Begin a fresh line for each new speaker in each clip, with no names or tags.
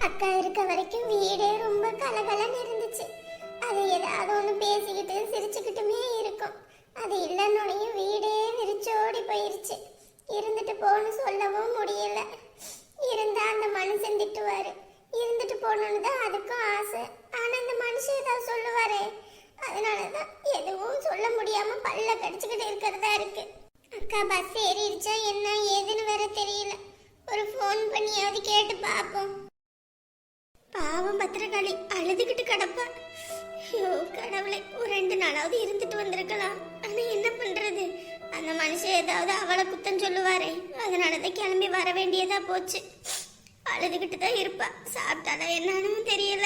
அக்கா இருக்க வரைக்கும் வீடே ரொம்ப கலகலன்னு இருந்துச்சு. அது ஏதாவது ஒன்று பேசிக்கிட்டு சிரிச்சுக்கிட்டுமே இருக்கும். அது இல்லைன்னொடையும் வீடே விரிச்சோடி போயிருச்சு. இருந்துட்டு போன்னு சொல்லவும் முடியல. இருந்தா அந்த மனுஷன் திட்டுவாரு. இருந்துட்டு போகணுன்னு தான் அதுக்கும் ஆசை. ஆனா இந்த மனுஷன் ஏதாவது சொல்லுவாரே, அதனாலதான் எதுவும் சொல்ல முடியாம பல்ல கடிச்சுக்கிட்டு இருக்கிறதா இருக்கு. அக்கா பஸ் ஏறிடுச்சா என்ன ஏதுன்னு வேற தெரியல. ஒரு ஃபோன் பண்ணியாவது கேட்டு பார்ப்போம். பாவம் பத்திரகாளி அழுதுகிட்டு கிடப்பா. ஐயோ கடவுளை, ஒரு 2 நாளாவது இருந்துட்டு வந்திருக்கலாம். ஆனா என்ன பண்றது, அந்த மனுஷன் ஏதாவது அவளை குத்தம் சொல்லுவாரே, அதனாலதான் கிளம்பி வர வேண்டியதா போச்சு. அழுதுகிட்டு தான் இருப்பா. சாப்பிட்டாலா என்னன்னு தெரியல.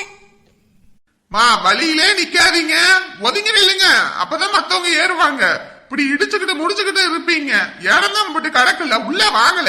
மா வழியிலே நிக்காதீங்க, ஒதுங்கி நில்லுங்க, அப்பதான் மத்தவங்க ஏறுவாங்க. இப்படி இடிச்சுக்கிட்டு முடிச்சுக்கிட்டு இருப்பீங்க. இடம் தான் போட்டு கடக்கல, உள்ள வாங்கல.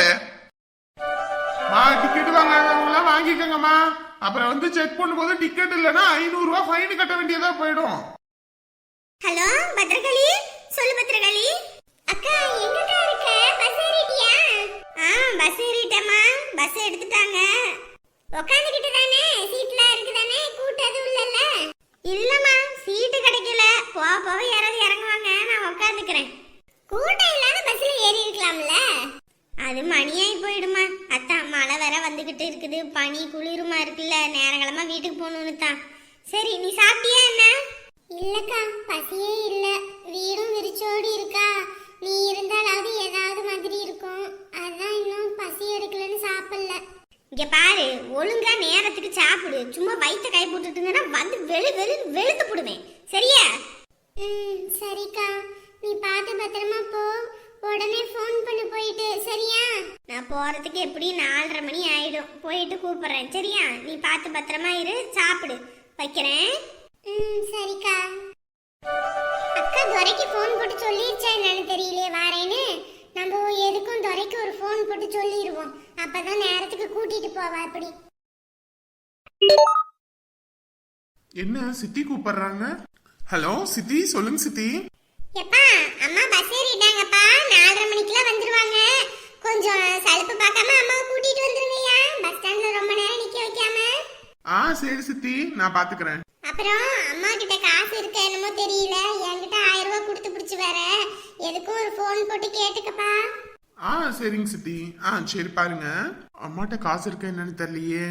மா டிக்கெட் வாங்க வாங்கிக்கோங்கம்மா. அப்புறம் வந்து செக் பண்ணும்போது டிக்கெட் இல்லைன்னா 500 ரூபாய் ஃபைன் கட்ட வேண்டியதா போயிடும்.
ஹலோ பத்ரகாளி, சொல்லு பத்ரகாளி. அக்கா எங்கடா இருக்க? பஸ் ஏறிட்டியா? பஸ் ஏறிட்டேம்மா. பஸ் எடுத்துட்டாங்க. உட்காந்துக்கிட்டு தானே சீட்ல இருக்கு தானே, கூட்டம் எதுவும் இல்லைல்ல? இல்லம்மா, சீட்டு கிடைக்கல. போக யாராவது இறங்குவாங்க, நான் உட்காந்துக்கிறேன். கூட்டம் இல்லாத பஸ்ல ஏறி இருக்கலாம்ல. அது மணியாகி போயிடுமா. அத்தான் மழை வேற வந்துகிட்டு இருக்குது, பனி குளிருமா இருக்குல்ல, நேரங்களமா வீட்டுக்கு போகணும்னு தான். சரி நீ சாப்பிட்டியா என்ன? இல்லக்கா பசியே இல்ல. வீடும் விரிச்சோடி இருக்கா. நீ இருந்தாலாவது ஏதாவது மாதிரி இருக்கும். அதான் இன்னும் பசி எடுக்கலன்னு சாப்பிடல. இங்க பாரு, ஒழுங்கா நேரத்துக்கு சாப்பிடு. சும்மா வயிற்ற கை போட்டுட்டு இருந்தேன்னா வந்து வெளுத்து போடுவேன். சரியா? சரிக்கா, நீ பார்த்து பத்திரமா போ. உடனே ஃபோன் பண்ணி போயிட்டு. சரியா? நான் போறதுக்கு எப்படி 4:30 மணி ஆயிடும். போயிட்டு கூப்பிடுறேன். சரியா? நீ பார்த்து பத்திரமா இரு, சாப்பிடு. வைக்கிறேன். சரிக்கா. அக்கா துரைக்கு ஃபோன் போட்டு சொல்லிருச்சா என்னன்னு தெரியலையே வாரேன்னு. நம்ம எதுக்கும் துரைக்கு ஒரு ஃபோன் போட்டு சொல்லிடுவோம். அப்பதான் நேரத்துக்கு கூட்டிட்டு போவா. அப்படி
என்ன சித்தி கூப்பிடுறாங்க? ஹலோ சித்தி, சொல்லுங்க சித்தி.
எப்பா அம்மா பஸ் ஏறிட்டாங்கப்பா. 4:30 மணிக்கெல்லாம் வந்துருவாங்க. கொஞ்சம் சலுப்பு பார்க்காம அம்மாவை கூட்டிட்டு வந்துருங்கய்யா. பஸ் ஸ்டாண்ட்ல ரொம்ப நேரம் நிக்க வைக்காம.
சரி சித்தி, நான் பாத்துக்கிறேன்.
அப்புறம் அம்மா கிட்ட காசு இருக்க என்னமோ தெரியல. என்கிட்ட 1000 ரூபாய் கொடுத்து பிடிச்சு வேற எதுக்கும் ஒரு ஃபோன் போட்டு கேட்டுக்கப்பா.
சரிங்க சித்தி. சரி பாருங்க, அம்மாட்ட காசு இருக்க என்னன்னு தெரியலையே.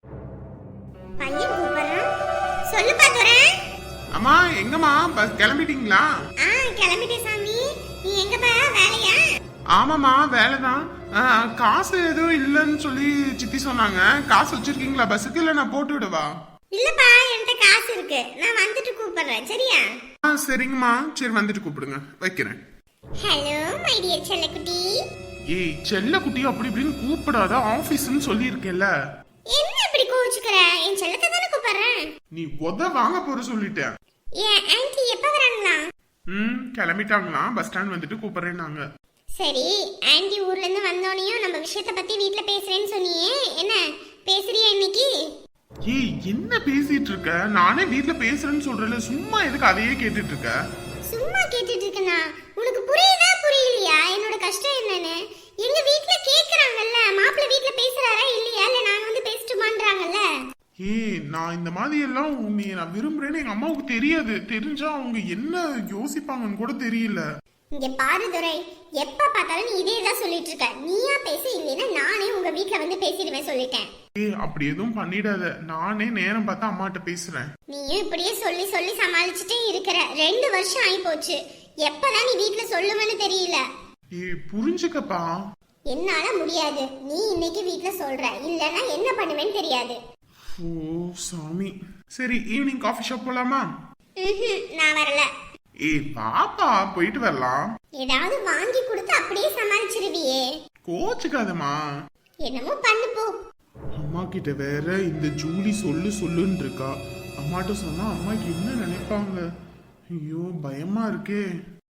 பையன் கூப்பிடுறான். சொல்லுப்பா துரை.
அம்மா எங்கம்மா, பஸ் கிளம்பிட்டீங்களா?
கிளம்பிட்டேன் சாமி. நீ எங்கப்பா, வேலையா?
ஆமாம்மா வேலைதான். காசு எதுவும் இல்லைன்னு சொல்லி சித்தி சொன்னாங்க. காசு வச்சிருக்கீங்களா பஸ்ஸுக்கு, இல்ல நான் போட்டு விடவா?
இல்லப்பா, என்கிட்ட காசு இருக்கு. நான் வந்துட்டு கூப்பிடுறேன். சரியா?
சரிங்கம்மா. சரி வந்துட்டு கூப்பிடுங்க, வைக்கிறேன்.
ஹலோ மை டியர் செல்லக்குட்டி.
ஏய் செல்லக்குட்டி அப்படி இப்படின்னு கூப்பிடாத, ஆபீஸ்ன்னு சொல்லி இருக்கேல்ல.
என்ன இப்படி கோவிச்சுக்கற? என் செல்லத்தை தானே கூப்பிடுறேன்.
நீ வாங்க போற சொல்லிட்டேன்.
ஏன் ஆன்ட்டி எப்ப வராங்களா?
கிளம்பிட்டாங்களா, பஸ் ஸ்டாண்ட் வந்துட்டு கூப்பிடுறேன்னாங்க.
சரி, ஆன்ட்டி ஊர்ல இருந்து வந்தோனையும் நம்ம விஷயத்த பத்தி வீட்ல பேசுறேன்னு சொன்னியே, என்ன பேசுறியா இன்னைக்கு?
ஏய் என்ன பேசிட்டு இருக்க? நானே வீட்ல பேசுறேன்னு சொல்றேன்ல, சும்மா எதுக்கு அதையே கேட்டுட்டு இருக்க?
சும்மா கேட்டுட்டு இருக்கனா? உனக்கு புரியுதா புரியலையா என்னோட கஷ்டம் என்னன்னு? எங்க வீட்ல கேக்குறாங்கல்ல, மாப்பிள்ளை வீட்ல பேசுறாரா இல்லையா, இல்ல நாங்க வந்து பேசிட்டுமான்றாங்கல்ல.
ஏய் நான் இந்த மாதிரி எல்லாம் உன்னை நான் விரும்புறேன்னு எங்க அம்மாவுக்கு தெரியாது. தெரிஞ்சா அவங்க என்ன யோசிப்பாங்கன்னு கூட தெரியல.
இங்க பாரு துரை, எப்ப பார்த்தாலும் நீ இதே தான் சொல்லிட்டு இருக்க. நீயா பேச, இல்லைன்னா நானே உங்க வீட்ல வந்து பேசிடுவேன் சொல்லிட்டேன்.
ஏய் அப்படி எதுவும் பண்ணிடாத, நானே நேரம் பார்த்தா அம்மாட்ட பேசுறேன்.
நீயும் இப்படியே சொல்லி சொல்லி சமாளிச்சுட்டே இருக்கிற. 2 வருஷம் ஆயி போச்சு. எப்பதான் நீ வீட்ல சொல்லுவேன்னு தெரியல.
ஏய் புரிஞ்சுக்கப்பா.
என்னால முடியாது. நீ இன்னைக்கு வீட்ல சொல்ற, இல்லன்னா என்ன பண்ணுவேன்னு தெரியாது.
ஓ சாமி. சரி ஈவினிங் காஃபி ஷாப் போலாமா?
நான் வரல.
ஏய் பாப்பா போயிட்டு வரலாம்.
ஏதாவது வாங்கி கொடுத்து அப்படியே சமாளிச்சிருவியே.
கோச்சுக்காதம்மா.
என்னமோ பண்ணு போ.
அம்மா கிட்ட வேற இந்த ஜூலி சொல்லுன்னு இருக்கா. அம்மாட்ட சொன்னா அம்மாக்கு என்ன நினைப்பாங்க? ஐயோ பயமா இருக்கே.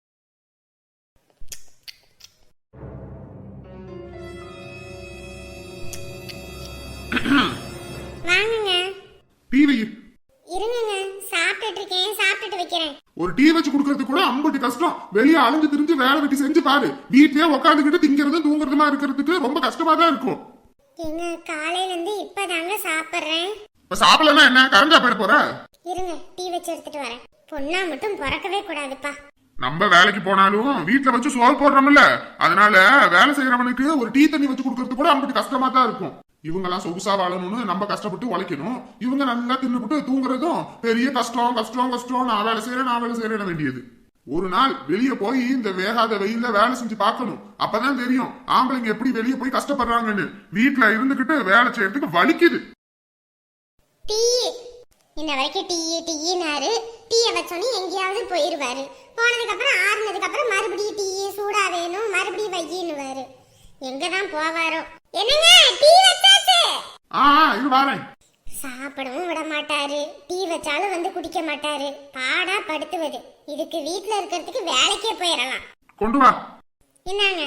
வாங்குங்க.
டிவி
இருங்க, சாப்பிட்டுட்டு இருக்கேன், சாப்பிட்டுட்டு வைக்கிறேன்.
ஒரு டீ வச்சு குடுக்கறது கூட அம்பட்டு கஷ்டம். வெளியே அலைஞ்சு திரிஞ்சு வேலை வெட்டி செஞ்சு பாரு. வீட்லயே உட்காந்துக்கிட்டு திங்கிறது தூங்குறதுமா இருக்கிறதுக்கு ரொம்ப கஷ்டமா தான் இருக்கும்.
எங்க காலையில இருந்து இப்பதாங்க சாப்பிடுறேன்.
இப்ப சாப்பிடலன்னா என்ன கரண்டா போயிட போற?
இருங்க டீ வச்சு எடுத்துட்டு வரேன். பொண்ணா மட்டும் பிறக்கவே கூடாதுப்பா.
நம்ம வேலைக்கு போனாலும் வீட்டுல வச்சு சோறு போடுறோம்ல, அதனால வேலை செய்யறவனுக்கு ஒரு டீ தண்ணி வச்சு கொடுக்கறது கூட அவங்களுக்கு கஷ்டமா தான் இருக்கும். இவங்க எல்லாம் சொகுசா வாழணும்னு நம்ம கஷ்டப்பட்டு உழைக்கணும், இவங்க நல்லா தின்னுபிட்டு தூங்குறதும் பெரிய கஷ்டம் கஷ்டம் கஷ்டம். நான் வேலை செய்யறேன் வேண்டியது. ஒரு நாள் வெளியே போய் இந்த வேகாத வெயில்ல வேலை செஞ்சு பார்க்கணும், அப்பதான் தெரியும் ஆம்பளைங்க எப்படி வெளியே போய் கஷ்டப்படுறாங்கன்னு. வீட்டுல இருந்துகிட்டு வேலை செய்யறதுக்கு வலிக்குது.
டீ இன்ன வரைக்கும் டீனாரு. டீயை வச்சோன்னே எங்கேயாவது போயிருவாரு. போனதுக்கு அப்புறம் ஆறுனதுக்கு அப்புறம் மறுபடியும் டீ சூடா வேணும், மறுபடியும் வையின்னுவாரு. எங்கதான் போவாரோ. என்னங்க டீ வச்சாச்சு.
இது வாரேன்.
சாப்பிடவும் விட மாட்டாரு, டீ வச்சாலும் வந்து குடிக்க மாட்டாரு. பாடா படுத்துவது. இதுக்கு வீட்டுல இருக்கிறதுக்கு வேலைக்கே போயிடலாம்.
கொண்டு வா.
என்னங்க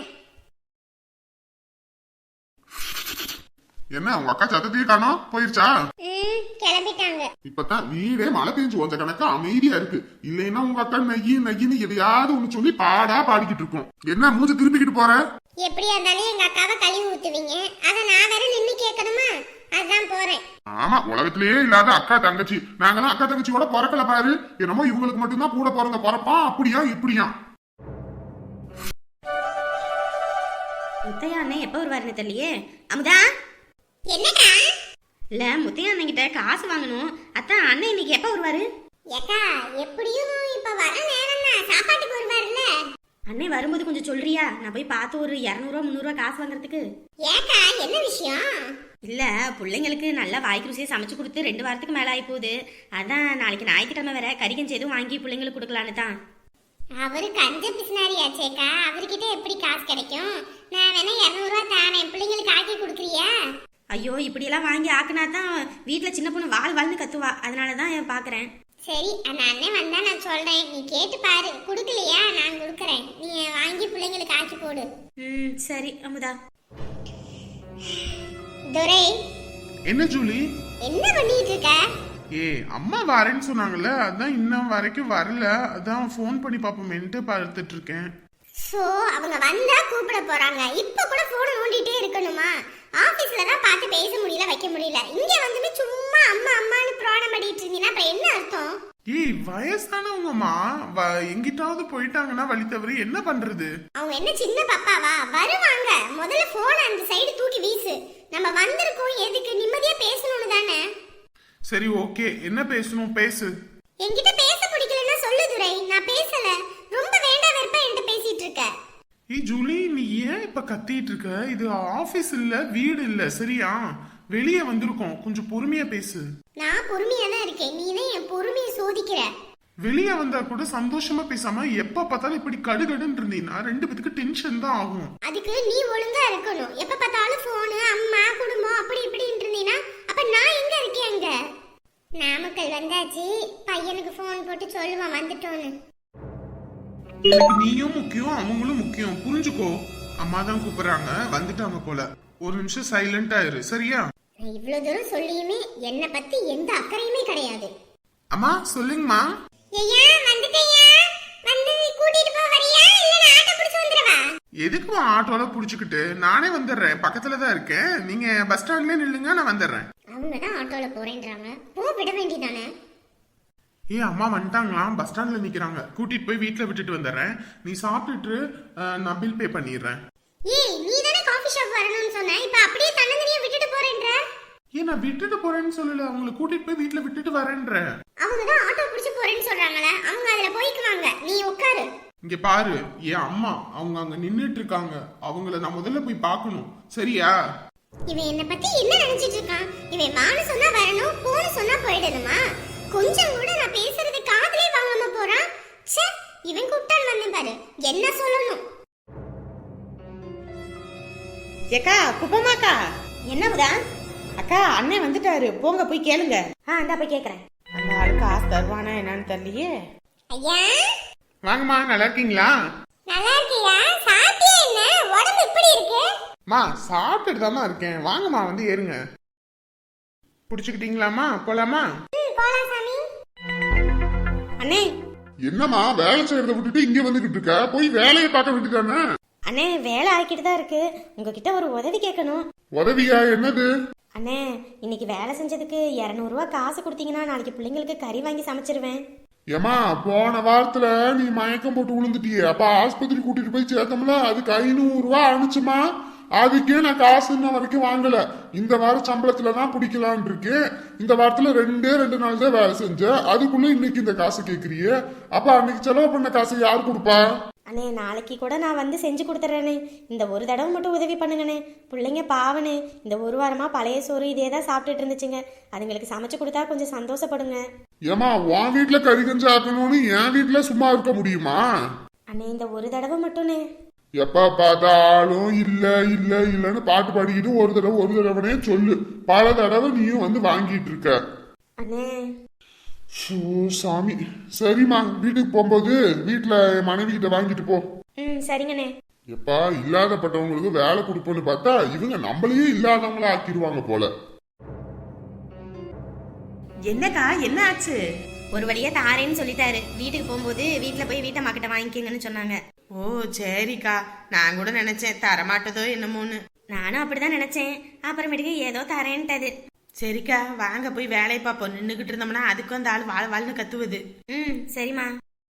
என்ன உங்க அக்கா சத்தத்தையே காணோம், போயிருச்சா?
கிளம்பிட்டாங்க.
இப்பதான் வீடே மழை பெஞ்சு கொஞ்ச கணக்கா அமைதியா இருக்கு. இல்லைன்னா உங்க அக்கா நெய்யின்னு எதையாவது ஒண்ணு சொல்லி பாடா பாடிக்கிட்டு இருக்கும். என்ன மூஞ்சி திருப்பிக்கிட்டு போற?
எப்படியா இருந்தாலும் எங்க அக்காவை கழுவி ஊத்துவீங்க, அத நான் வேற நின்னு கேட்கணுமா? அதான் போறேன்.
ஆமா, உலகத்திலேயே இல்லாத அக்கா தங்கச்சி. நாங்கெல்லாம் அக்கா தங்கச்சியோட பிறக்கல பாரு. என்னமோ இவங்களுக்கு மட்டும்தான் கூட பிறந்த பிறப்பா, அப்படியா இப்படியா?
முத்தையா அண்ணன் எப்ப வருவாருன்னு தெரியலையே. அமுதா
என்னடா?
இல்ல முத்தையா அண்ணன் கிட்ட காசு வாங்கணும். அத்தான் அண்ணன் இன்னைக்கு எப்ப வருவாரு?
ஏக்கா எப்படியும் இப்ப வர நேரம் தான், சாப்பாட்டுக்கு வருவாருல்ல.
அண்ணன் வரும்போது கொஞ்சம் சொல்றியா? நான் போய் பார்த்து ஒரு 200 300 காசு வாங்குறதுக்கு.
ஏக்கா என்ன விஷயம்?
இல்ல பிள்ளைங்களுக்கு நல்லா வாய்க்கு ருசியை சமைச்சு கொடுத்து 2 வாரத்துக்கு மேல ஆகி போகுது. அதான் நாளைக்கு ஞாயிற்றுக்கிழமை வேற கறிகஞ்சி எதுவும் வாங்கி பிள்ளைங்களுக்கு கொடுக்கலான்னு தான்.
அவரு கஞ்ச பிசினாரியாச்சேக்கா, அவர்கிட்ட எப்படி காசு கிடைக்கும்? நான் வேணா 200 ரூபா தானேன், பிள்ளைங்களுக்கு ஆக்கி கொடுக்குறியா?
ஐயோ இப்படியெல்லாம் வாங்கி ஆக்குனா தான் வீட்டுல சின்ன பொண்ணு வாழ்னு கத்துவா. அதனாலதான் பாக்குறேன்.
சரி அந்த அண்ணன் வந்தா நான் சொல்றேன், நீ கேட்டு பாரு. குடுக்கலையா நான் கொடுக்கறேன், நீ வாங்கி பிள்ளைங்களுக்கு ஆக்கி போடு.
சரி அமுதா.
துரை
என்ன ஜூலி
என்ன பண்ணிட்டு இருக்க?
அம்மா வரேன்னு சொன்னாங்கல்ல, அதான் இன்னும் வரைக்கும் வரல. அதான் போன் பண்ணி பாப்போமேன்ட்டு பார்த்துட்டு இருக்கேன்.
சோ அவங்க வந்தா கூப்பிட போறாங்க, இப்ப கூட போன் நோண்டிட்டே இருக்கணுமா? ஆபீஸ்ல தான் பார்த்து பேச முடியல, வைக்க முடியல. இங்க வந்து சும்மா அம்மா அம்மான்னு பிராணம் பண்ணிட்டு இருந்தீங்கன்னா அப்புறம் என்ன அர்த்தம்?
வயசானவங்கம்மா எங்கிட்டாவது போயிட்டாங்கன்னா வழி தவறி என்ன பண்றது?
அவங்க என்ன சின்ன பாப்பாவா? வருவாங்க. முதல்ல போன் அந்த சைடு தூக்கி வீசு. நம்ம வந்திருக்கோம் எதுக்கு? நிம்மதியா பேசணும்னு தானே.
சரி ஓகே, என்ன பேசணும் பேசு.
என்கிட்ட பேச பிடிக்கலன்னா சொல்லு துரை, நான் பேசல. ரொம்ப வேண்டாம் வெறுப்பா என்கிட்ட பேசிட்டு இருக்க.
ஜூலி நீ ஏன் இப்ப கத்திட்டு இருக்க? இது ஆபீஸ் இல்ல, வீடு இல்ல, சரியா? வெளியே வந்திருக்கோம், கொஞ்சம் பொறுமையா பேசு.
நான் பொறுமையா தான் இருக்கேன், நீ தான் என் பொறுமையை சோதிக்கிற.
வெளியே வந்தா கூட சந்தோஷமா பேசாம எப்ப பார்த்தாலும் இப்படி கடுகடுன்னு இருந்தீங்கன்னா 2 பேத்துக்கு டென்ஷன் தான் ஆகும்.
அதுக்கு நீ ஒழுங்கா இருக்கணும். எப்ப பார்த்தாலும் போனு அம்மா குடும்பம் அப்படி இப்படின்னு இருந்தீங்கன்னா அப்ப நான் எங்க இருக்கேன்? அங்க நாமக்கல் வந்தாச்சு, பையனுக்கு போன் போட்டு சொல்லுவான் வந்துட்டோன்னு.
எனக்கு நீயும் முக்கியம், அவங்களும் முக்கியம், புரிஞ்சுக்கோ. அம்மா தான் கூப்பிடுறாங்க, வந்துட்டாங்க போல. ஒரு நிமிஷம் சைலண்டா இரு, சரியா?
நான் இவ்வளவு தூரம் சொல்லியுமே என்ன பத்தி எந்த அக்கறையுமே கிடையாது.
அம்மா சொல்லுங்கம்மா.
ஐயா வந்துட்டேயா, வந்து கூட்டிட்டு போ வரியா இல்ல நான் ஆட்டோ பிடிச்சு வந்துறவா?
எதுக்குமா ஆட்டோல புடிச்சுக்கிட்டு? நானே வந்துடுறேன், பக்கத்துல தான் இருக்கேன். நீங்க பஸ் ஸ்டாண்ட்லயே நில்லுங்க, நான் வந்துடுறேன்.
அவங்க தான் ஆட்டோல போறேன்றாங்க, போ விட வேண்டியதானே.
அம்மா வந்துட்டாங்களாம், பஸ் ஸ்டாண்ட்ல நிக்கிறாங்க. கூட்டிட்டு போய் வீட்டுல விட்டுட்டு வந்துடுறேன். நீ சாப்பிட்டுட்டு நான் பில் பே பண்ணிடுறேன்.
நீ தானே காபி ஷாப் வரணும்னு சொன்ன, இப்ப அப்படியே தன்னந்தனியா விட்டுட்டு போறேன்ற.
நான் விட்டுட்டு போறேன்னு சொல்லல, அவங்களை கூட்டிட்டு போய் வீட்டுல விட்டுட்டு வரேன்ற.
அவங்க தான் ஆட்டோ பிடிச்சு போறேன்னு சொல்றாங்களே, அவங்க அதுல போய்க்குவாங்க, நீ உட்காரு.
இங்க பாரு, அம்மா அவங்க அங்க நின்னுட்டு இருக்காங்க, அவங்கள நான் முதல்ல போய் பார்க்கணும், சரியா?
இவன் என்ன பத்தி என்ன நினைச்சிட்டு இருக்கான்? இவன் வான்னு சொன்னா வரணும், போன்னு சொன்னா போயிடணுமா? கொஞ்சம் கூட நான் பேசுறது காதுலயே வாங்காம போறான். ச்சே, இவன் கூப்பிட்டான் வந்து பாரு, என்ன சொல்லணும்?
ஏக்கா குப்பமாக்கா. என்னமுதா? அக்கா அண்ணன் வந்துட்டாரு, போங்க போய் கேளுங்க. இந்தா போய் கேக்குறேன். அந்த ஆளுக்கு காசு தருவானா என்னன்னு தெரியலையே.
ஐயா
வாங்கம்மா, நல்லா இருக்கீங்களா?
நல்லா இருக்கியா? சாப்பிட்டியா? என்ன உடம்பு இப்படி இருக்கு?
மா சாப்பிட்டுட்டு தாமா இருக்கேன், வாங்கம்மா வந்து ஏறுங்க. புடிச்சுக்கிட்டீங்களாமா? போலாமா?
போலாம் சாமி.
அண்ணே
என்னம்மா வேலை செய்யறத விட்டுட்டு இங்க வந்துகிட்டு இருக்க? போய் வேலையை பார்க்க வேண்டியதானே?
அண்ணே வேலை ஆக்கிட்டு தான் இருக்கு. உங்ககிட்ட ஒரு உதவி கேட்கணும்.
உதவியா என்னது?
அண்ணே இன்னைக்கு வேலை செஞ்சதுக்கு 200 ரூபா காசு கொடுத்தீங்கன்னா நாளைக்கு பிள்ளைங்களுக்கு கறி வாங்கி சமைச்சிருவேன்.
ஏமா போன வாரத்துல நீ மயக்கம் போட்டு விழுந்துட்டியே, அப்ப ஆஸ்பத்திரி கூட்டிட்டு போய் சேர்த்தோம்ல, அதுக்கு 500 ரூபா அனுச்சுமா. அதுக்கே நான் காசு இன்ன வரைக்கும் வாங்கல. இந்த வார சம்பளத்துல தான் பிடிக்கலான் இருக்கு. இந்த வாரத்துல 2 நாள் தான் வேலை செஞ்சேன், அதுக்குள்ள இன்னைக்கு இந்த காசு கேக்குறியே. அப்ப அன்னைக்கு செலவு பண்ண காசை யார் கொடுப்பா?
அண்ணே நாளைக்கு கூட நான் வந்து செஞ்சு கொடுத்துட்றேனே. இந்த ஒரு தடவை மட்டும் உதவி பண்ணுங்கண்ணே. பிள்ளைங்க பாவனே இந்த ஒரு வாரமா பழைய சோறு இதே தான் சாப்பிட்டுட்டு இருந்துச்சுங்க. அதுங்களுக்கு சமைச்சு கொடுத்தா கொஞ்சம் சந்தோஷப்படுங்க.
ஏமா உன் வீட்டுல கறி கஞ்சி ஆக்கணும்னு என் வீட்டுல சும்மா இருக்க முடியுமா?
அண்ணே இந்த ஒரு தடவை மட்டும்ண்ணே.
எப்ப பார்த்தாலும் இல்ல இல்ல இல்லன்னு பாட்டு பாடிக்கிட்டு ஒரு தடவைனே சொல்லு. பல தடவை நீயும் வந்து வாங்கிட்டு இருக்க.
அண்ணே
ஷோ சாமி. சரிம்மா, வீட்டுக்கு போகும்போது வீட்டுல மனைவி கிட்ட வாங்கிட்டு போ.
சரிங்கண்ணே.
எப்பா இல்லாதப்பட்டவங்களுக்கு வேலை கொடுப்போன்னு பார்த்தா இவங்க நம்மளையே இல்லாதவங்கள ஆக்கிடுவாங்க போல.
என்னக்கா என்ன ஆச்சு? ஒரு வழியா தாரேன்னு சொல்லிட்டாரு. வீட்டுக்கு போகும்போது வீட்டுல போய் வீட்டை மாக்கிட்ட வாங்கிக்கங்கன்னு சொன்னாங்க. ஓ சரிக்கா, நான் கூட நினைச்சேன் தரமாட்டதோ என்னமோன்னு. நானும் அப்படிதான் நினைச்சேன். அப்புறமேட்டுக்கு ஏதோ தரேன்ட்டது. சரிக்கா வாங்க போய் வேலையை பார்ப்போம். நின்றுகிட்டு இருந்தோம்னா அதுக்கும் அந்த ஆள் வாழ் வாழ்னு கத்துவது. சரிம்மா.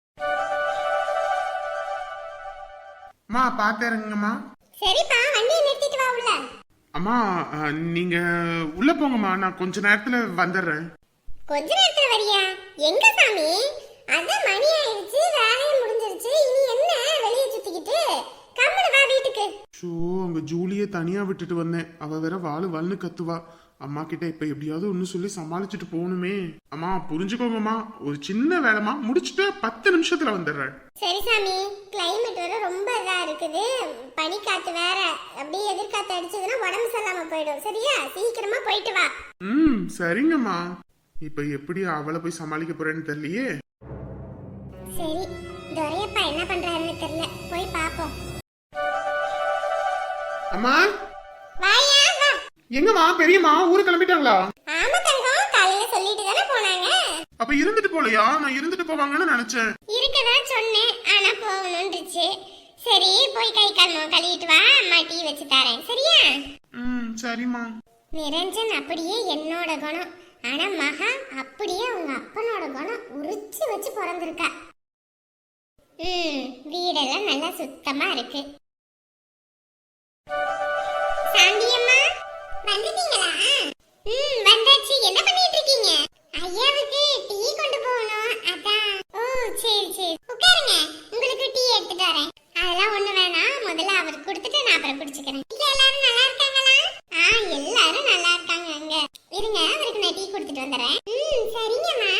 அம்மா பாத்தேருங்கம்மா.
சரிப்பா, வண்டியை நிறுத்திட்டு வா உள்ள.
அம்மா நீங்க உள்ள போங்கம்மா, நான் கொஞ்ச நேரத்துல வந்துடுறேன்.
கொஞ்ச நேரத்துல வரியா? எங்க சாமி? அதான் மணி ஆயிடுச்சு, வேலையும் முடிஞ்சிருச்சு. இனி என்ன வெளியே சுத்திக்கிட்டு? கம்முனு வா வீட்டுக்கு.
ஷோ அங்க ஜூலியை தனியா விட்டுட்டு வந்தேன். அவ வேற வாழ்னு கத்துவா. அம்மா கிட்ட இப்ப எப்படியாவது ஒன்னு சொல்லி சமாளிச்சுட்டு போகணுமே. அம்மா புரிஞ்சுக்கோங்கம்மா, ஒரு சின்ன வேலைமா முடிச்சுட்டு 10 நிமிஷத்துல வந்துடுறேன்.
சரி சாமி, கிளைமேட் வேற ரொம்ப இதா இருக்குது. பனிக்காத்து வேற, அப்படியே எதிர்காத்து அடிச்சதுன்னா உடம்பு சரியில்லாம போயிடும். சரியா, சீக்கிரமா போயிட்டு வா.
சரிங்கம்மா. இப்ப எப்படி அவளை போய் சமாளிக்க போறேன்னு தெரியலையே.
சரி, துரையப்பா என்ன பண்றாருன்னு தெரியல, போய் பாப்போம்.
அம்மா
வாயா வா.
எங்கம்மா பெரியம்மா ஊரு கிளம்பிட்டாங்களா?
ஆமா தங்கம், காலையில சொல்லிட்டு தானே போனாங்க.
அப்ப இருந்துட்டு போலையா? நான் இருந்துட்டு போவாங்கன்னு நினைச்சேன்.
இருக்கதான் சொன்னேன், ஆனா போகணும்னுச்சு. சரி போய் கை கால் முகம் கழுவிட்டு வா, அம்மா டீ வச்சு தரேன். சரியா?
சரிம்மா.
நிரஞ்சன் அப்படியே என்னோட குணம், ஆனா மகா அப்படியே அவங்க அப்பனோட குணம் உரிச்சு வச்சு பிறந்திருக்கா. வீடெல்லாம் நல்லா சுத்தமா இருக்கு. சாந்தியம்மா வந்துட்டீங்களா? வந்தாச்சு. என்ன பண்ணிட்டு இருக்கீங்க? ஐயாவுக்கு டீ கொண்டு போகணும், அதான். ஓ சரி சரி, உட்காருங்க, உங்களுக்கு டீ எடுத்துட்டு வரேன். அதெல்லாம் ஒண்ணு வேணாம், முதல்ல அவருக்கு கொடுத்துட்டு நான் அப்புறம் குடிச்சுக்கிறேன். எல்லாரும் நல்லா இருக்காங்களா? எல்லாரும் நல்லா இருக்காங்க. அங்க இருங்க, அவருக்கு நான் டீ கொடுத்துட்டு வந்துடுறேன். சரிங்கம்மா.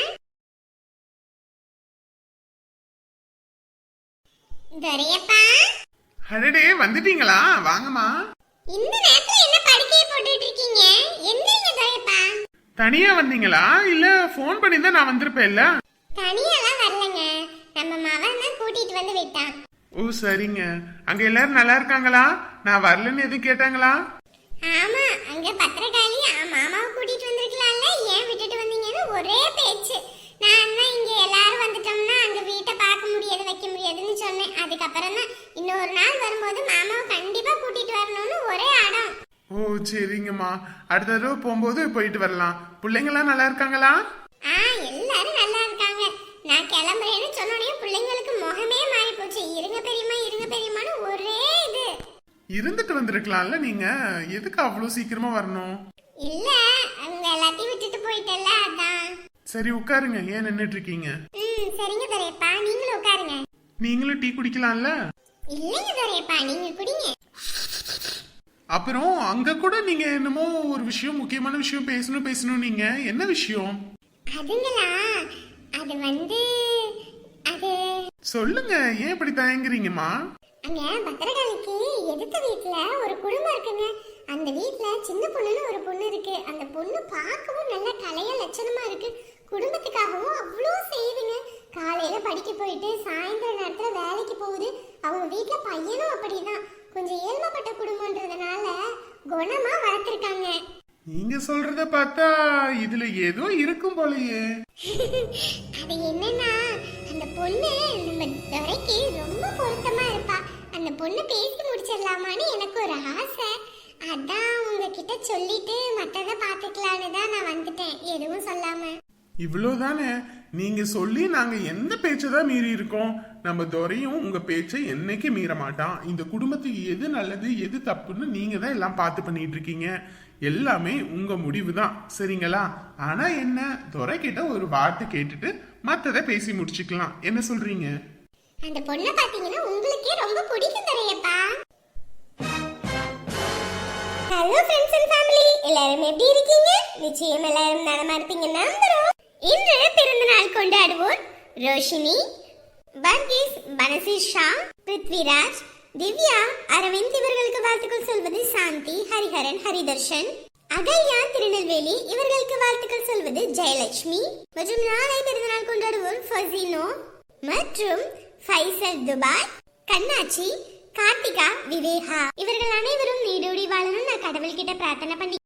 துரையப்பா
அடடே வந்துட்டீங்களா? வாங்கம்மா.
இந்த நேரத்துல என்ன படுக்கையை போட்டுட்டு இருக்கீங்க? எந்திரிங்க துரையப்பா.
தனியா வந்தீங்களா இல்ல போன் பண்ணி தான் நான் வந்திருப்பேன்ல?
தனியாலாம் வரலங்க, நம்ம மவன் தான் கூட்டிட்டு வந்து விட்டான்.
ஓ சரிங்க. அங்க எல்லாரும் நல்லா இருக்காங்களா? நான் வரலன்னு எதுவும் கேட்டாங்களா?
ஆமா, அங்க பத்திரகாளி மாமாவை கூட்டிட்டு வந்திருக்கலாம்ல, ஏன் விட்டுட்டு வந்தீங்கன்னு ஒரே பேச்சு. நான் தான் இங்க எல்லாரும் வந்துட்டோம்னா அங்க வீட்டை பார்க்க முடியாது வைக்க முடியாதுன்னு சொன்னேன். அதுக்கப்புறம் தான் இன்னொரு நாள் வரும்போது மாமாவை கண்டிப்பா கூட்டிட்டு வரணும்னு ஒரே அடம்.
ஓ சரிங்கம்மா, அடுத்த தடவை போகும்போது போயிட்டு வரலாம். பிள்ளைங்களாம் நல்லா இருக்காங்களா?
எல்லாரும் நல்லா இருக்காங்க. நான் கிளம்புறேன்னு சொன்னோடனே பிள்ளைங்களுக்கு முகமே மாறி போச்சு. இருங்க பெரியம்மான்னு ஒரே இது.
இருந்துட்டு வந்திருக்கலாம்ல நீங்க, எதுக்கு அவ்வளவு சீக்கிரமா வரணும்?
இல்ல, அவங்க எல்லாத்தையும் விட்டுட்டு போயிட்டல, அதான்.
சரி உட்காருங்க, ஏன் நின்னுட்டு இருக்கீங்க?
சரிங்க துரையப்பா, நீங்களும் உட்காருங்க.
நீங்களும் டீ குடிக்கலாம்ல?
இல்லைங்க துரையப்பா, நீங்க குடிங்க.
அப்புறம் அங்க கூட நீங்க என்னமோ ஒரு விஷயம், முக்கியமான விஷயம் பேசணும் நீங்க. என்ன விஷயம்?
அதுங்களா, அது அது
சொல்லுங்க, ஏன் இப்படி தயங்குறீங்கம்மா?
அங்க பத்திரகாளிக்கு எதிர்த்த வீட்டுல ஒரு குடும்பம் இருக்குங்க. அந்த வீட்டுல சின்ன பொண்ணுன்னு ஒரு பொண்ணு இருக்கு. அந்த பொண்ணு பார்க்கவும் நல்ல கலைய லட்சணமா இருக்கு. குடும்பத்துக்காகவும் அவ்வளோ செய்யுதுங்க. காலையில படிக்க போயிட்டு சாயந்தர நேரத்துல வேலைக்கு போகுது. அவங்க வீட்டுல பையனும் அப்படிதான். கொஞ்சம் ஏழ்மைப்பட்ட குடும்பம்ன்றதுனால குணமா வளர்த்திருக்காங்க.
நீங்க சொல்றத பார்த்தா இதுல ஏதோ இருக்கும் போலயே.
அது என்னன்னா, அந்த பொண்ணு நம்ம துரைக்கு ரொம்ப பொருத்தமா இருப்பா. அந்த பொண்ணு பேசி முடிச்சிடலாமான்னு எனக்கு ஒரு ஆசை. அதான் உங்க உங்ககிட்ட சொல்லிட்டு மத்தத பாத்துக்கலான்னு தான் நான் வந்துட்டேன், எதுவும் சொல்லாம.
இவ்வளவுதானே? நீங்க சொல்லி நாங்க எந்த பேச்சதான் மீறி இருக்கோம்? நம்ம துரையும் உங்க பேச்சை என்னைக்கு மீற மாட்டான். இந்த குடும்பத்துக்கு எது நல்லது எது தப்புன்னு நீங்க தான் எல்லாம் பார்த்து பண்ணிட்டு இருக்கீங்க. எல்லாமே உங்க முடிவு தான், சரிங்களா? ஆனா என்ன, துரை கிட்ட ஒரு வார்த்தை கேட்டுட்டு மத்தத பேசி முடிச்சுக்கலாம். என்ன சொல்றீங்க?
அந்த பொண்ணை பாத்தீங்கன்னா உங்களுக்கே ரொம்ப பிடிக்கும் தரையப்பா. ஹலோ ஃப்ரெண்ட்ஸ் அண்ட் ஃபேமிலி, எல்லாரும் எப்படி இருக்கீங்க? நிச்சயம் எல்லாரும் நலமா இருப்பீங்கன்னு நம்புறோம். இன்று பிறந்த நாள் கொண்டாடுவோர் ரோஷினி, பர்கீஸ், பனசிஷா, பிருத்விராஜ், திவ்யா, அரவிந்த் இவர்களுக்கு வாழ்த்துக்கள் சொல்வது சாந்தி, ஹரிஹரன், ஹரிதர்ஷன், அகல்யா, திருநெல்வேலி இவர்களுக்கு வாழ்த்துக்கள் சொல்வது ஜெயலட்சுமி. மற்றும் நாளை பிறந்த நாள் கொண்டாடுவோர் ஃபசினோ மற்றும் ஃபைசல் துபாய், கண்ணாச்சி, கார்த்திகா, விவேகா இவர்கள் அனைவரும் நீடோடி வாழணும் நான் கடவுள்கிட்ட பிரார்த்தனை பண்ணி